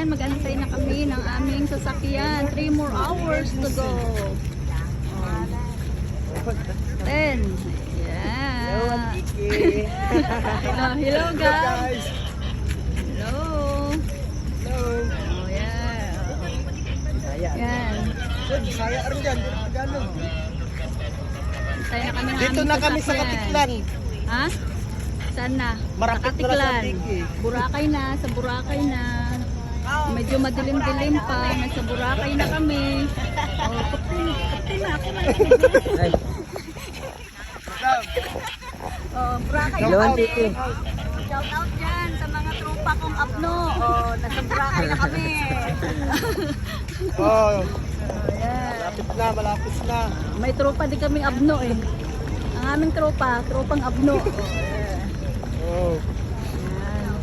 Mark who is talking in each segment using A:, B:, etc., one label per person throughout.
A: Ayan, mag-antay na kami ng aming sasakyan. 3 more hours to go. 10. Yeah. Hello guys. Hello. Oh yeah. Yan.
B: Saya rin dyan, Tagalog.
A: Antay na kami ng
B: Dito
A: aming
B: na kami sa
A: sasakyan.
B: Katiklan.
A: Ha? Saan na?
B: Marapit na lang sa
A: Katiklan.
B: Tigi.
A: Boracay na, sa Boracay na. Medyo madilim-dilim pa. Nasa Boracay na kami. Oh, kapti na ako na. Oh, Boracay na kami. Shout out dyan sa mga tropa kong apno. Oh, nasa Boracay na kami.
B: Oh,
A: Ayan.
B: malapit na.
A: May tropa din kaming abno eh. Ang aming tropa, tropang abno.
B: Oh.
A: Ayan.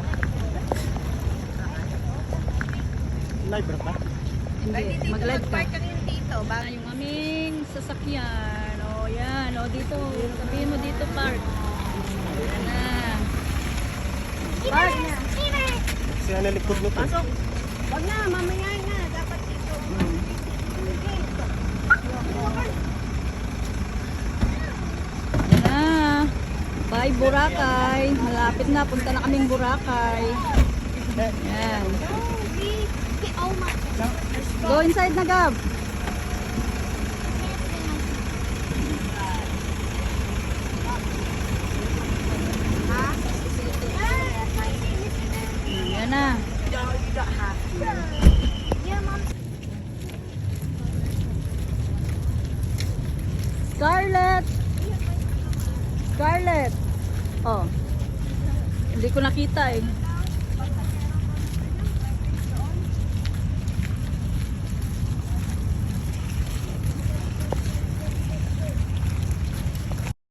B: Live ba?
A: Hindi, mag-live ka. Dito, ba yung aming sasakyan. O yan, o dito. Sabihin mo dito, park. Yan na. Park na.
B: Siya na likod mo to.
A: Pasok.
C: Wag na, mamaya na. Dapat dito.
A: Yan na. Bye, Boracay. Malapit na. Punta na kaming Boracay. Yan.
C: Oh my.
A: Go inside na, Gab. Yan na. Scarlett! Scarlett! Oh. Hindi ko nakita eh.